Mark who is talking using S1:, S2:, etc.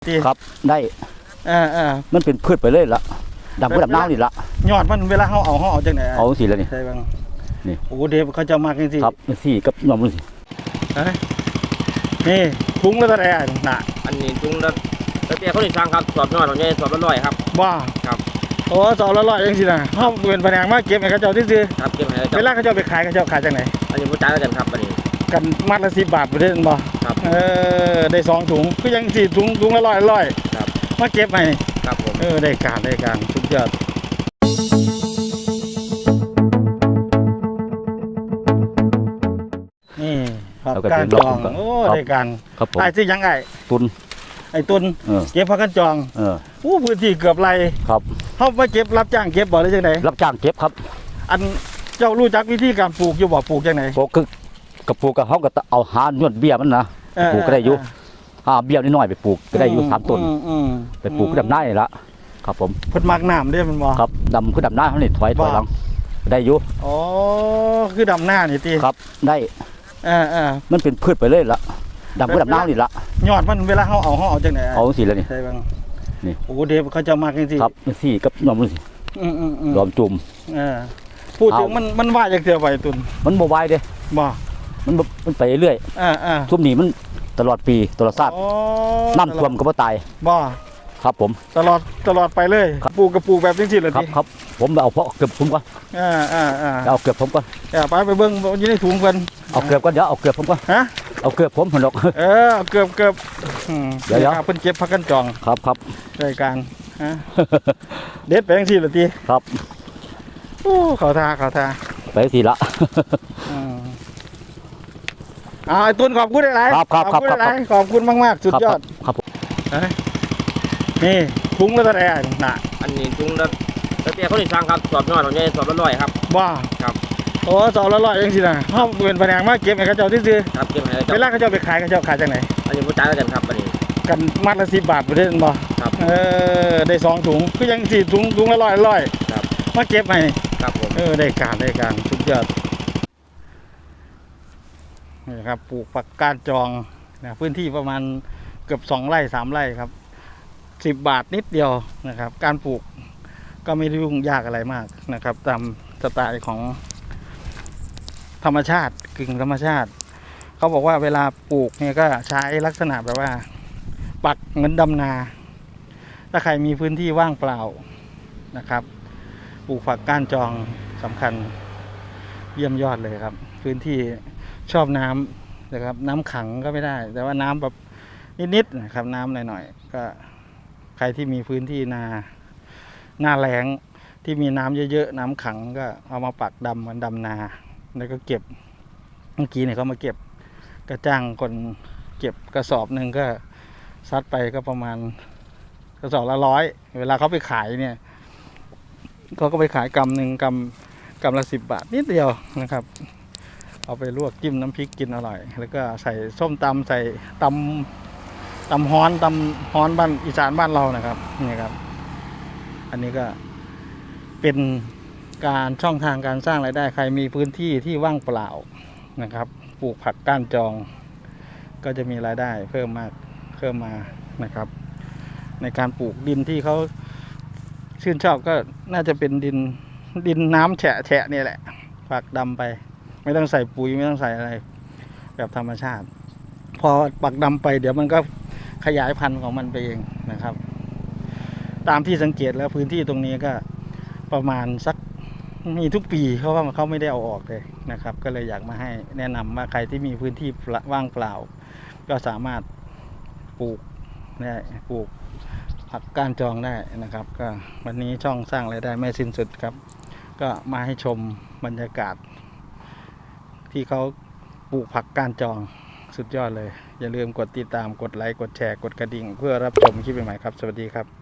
S1: ครับได้มันเป็นพืชไปเลยละดำก็ดำน้ำนี่ละ
S2: ยอดมันเวลาเขาเอาจากไหน
S1: เอาสีแล้วนี่
S2: ใช่บ้าง
S1: นี่
S2: โอ้เดี๋ยวเขาจะมากจริงๆ
S1: ครับสีกับนมนี่
S2: นี่ถุงแล้วก็ได้น่ะ
S3: อันนี้ถุงแล้วแต่เตี้ยเขาหนีสั่งครับสอบน้อยของเนี่ยสอบละร้อยครับ
S2: ว่า
S3: ครับ
S2: โอ้สอบละร้อยเองสินะเขาเป็นแผนงมาเก็บให้เขาเจ้าที่ซื้อ
S3: ครับเก็บให้
S2: เวลาเขาเจ้าไปขายเขาเจ้าขายจากไหน
S3: อันนี้ผู้จ่ายกันครับอันนี้
S2: กันมัดละ10 บาทไปเด้บ่
S3: ครับ
S2: ได้2 ถุงก็ยัง4 ถุงละร้อย
S3: ครับ
S2: มาเก็บให้
S3: ครับผม
S2: ได้การสุดยอดนี่ครับการจองโอ้ได้การไอ้ที่ยังไอ้ตุนเก็บพักกันจองพื้นที่เกือบไร
S1: ครับ
S2: เขาไปเก็บรับจ้างเก็บบ่หรือยังไง
S1: รับจ้างเก็บครับ
S2: อันเจ้ารู้จักวิธีการปลูกอยู่บ่ปลูกยังไง
S1: ปลูกคือกับปลูกกับเขาก็เอาหาหนวดเบี้ยมันนะปลูกก็ได้อยู่เบี้ยนิดหน่อยไปปลูกก็ได้อยู่3 ต้นไปปลูกก็ดำได้ละครับผม
S2: เพิ่นมักน้ำได้มันบ่
S1: ครับดำคือดำหน้าเขานี่ถอยหลังได้อยู่
S2: อ๋อคือดำหน้านี่ตี
S1: ครับได้มันเป็นพืชไปเลยละดำก็ดำน้ำนี่ละ
S2: ยอดมันเวลาเขาเอาจากไหน
S1: เอาสีแล้วนี่
S2: ใช่บ้าง
S1: นี่
S2: โอ้เดี๋ยวเขาจะมากจริง
S1: ๆครับสีกับนมนี่รวมจุ่ม
S2: พูดถึงมันว่าจากเสียไปตุน
S1: มันโมบายเด้
S2: บ่
S1: มันไปเรื่อยทุ่มนี้มันตลอดปีตลอดชาติน้ำท่วมก็ไม่ตาย
S2: บ่
S1: ครับผม
S2: ตลอดไปเลยปลูกกับปลูกแบบจริงๆเลย
S1: ครับผมเอาเพาะเกือบผมก่อนเอาเกือบผมก่อน
S2: ไปเบิ้งอยู่ในถุงกัน
S1: เอาเกือบก่อนเดี๋ยวเอาเกือบผมก่อนเอาเกือบผมผนก
S2: เกือบเดี๋ยวเพิ่นเก็บพักกันจอง
S1: ครับ
S2: รายการเด็ดไปจริงๆเลยที
S1: ครับ
S2: โอ้ขอทา
S1: ไปทีละ
S2: ไอ้ตุนขอบคุณหลาย
S1: ขอบ
S2: คุณมากๆสุดยอด
S1: ครับ
S2: นี่ถุงแล้วก็ได้น่ะ
S3: อันนี้ถุงแล้วแต่เตี้ยเขาหนีสั่งครับสอบน้อยของเนี่ยสอบละร้อยครับ
S2: ว่า
S3: ครับ
S2: โอ้สอบละร้อยเองสินะเขาเป็นแผนงมาเก็บให้เขาเจ้าที่ซื้อ
S3: ครับเก็บให้
S2: เวลาเขาเจ้าไปขายเขาเจ้าขายจากไหน
S3: อันนี้ผู้จ่ายกันครับอันนี้
S2: กันมัดละ10 บาทไปเด้บ่
S3: ครับ
S2: ได้2 ถุงก็ยัง4 ถุงละร้อย
S3: ครับ
S2: มาเก็บให้
S3: ครับผม
S2: ได้การสุดยอดนี่ครับปลูกผักกาดจองนะพื้นที่ประมาณเกือบ2 ไร่ 3 ไร่ครับ10 บาทนิดเดียวนะครับการปลูกก็ไม่ได้ยุ่งยากอะไรมากนะครับตามสไตล์ของธรรมชาติกึ่งธรรมชาติเขาบอกว่าเวลาปลูกเนี่ยก็ใช้ลักษณะแบบว่าปักเหมือนดำนาถ้าใครมีพื้นที่ว่างเปล่านะครับปลูกผักก้านจองสำคัญเยี่ยมยอดเลยครับพื้นที่ชอบน้ำนะครับน้ำขังก็ไม่ได้แต่ว่าน้ำแบบนิดๆนะครับน้ำหน่อยๆก็ใครที่มีพื้นที่หน้าแล้งที่มีน้ำเยอะๆน้ำขังก็เอามาปักดำเหมือนดำนาแล้วก็เก็บเมื่อกี้เนี่ยเขามาเก็บก็จ้างคนเก็บกระสอบหนึ่งก็ซัดไปก็ประมาณกระสอบละ100เวลาเขาไปขายเนี่ยเขาก็ไปขายกำหนึ่งกำละ10 บาทนิดเดียวนะครับเอาไปลวกจิ้มน้ำพริกกินอร่อยแล้วก็ใส่ส้มตำใส่ตำฮ้อนบ้านอีสานบ้านเรานะครับนี่ครับอันนี้ก็เป็นการช่องทางการสร้างรายได้ใครมีพื้นที่ที่ว่างเปล่านะครับปลูกผักก้านจองก็จะมีรายได้เพิ่มมานะครับในการปลูกดินที่เขาชื่นชอบก็น่าจะเป็นดินน้ำแฉะนี่แหละปักดำไปไม่ต้องใส่ปุ๋ยไม่ต้องใส่อะไรแบบธรรมชาติพอปักดำไปเดี๋ยวมันก็ขยายพันธุ์ของมันไปเองนะครับตามที่สังเกตแล้วพื้นที่ตรงนี้ก็ประมาณสักมีทุกปีเขาว่าเขาไม่ได้เอาออกเลยนะครับก็เลยอยากมาให้แนะนำว่าใครที่มีพื้นที่ว่างเปล่าก็สามารถปลูกผักก้านจองได้นะครับก็วันนี้ช่องสร้างรายได้ไม่สิ้นสุดครับก็มาให้ชมบรรยากาศที่เขาปลูกผักก้านจองสุดยอดเลยอย่าลืมกดติดตามกดไลค์กดแชร์กดกระดิ่งเพื่อรับชมคลิปใหม่ๆครับสวัสดีครับ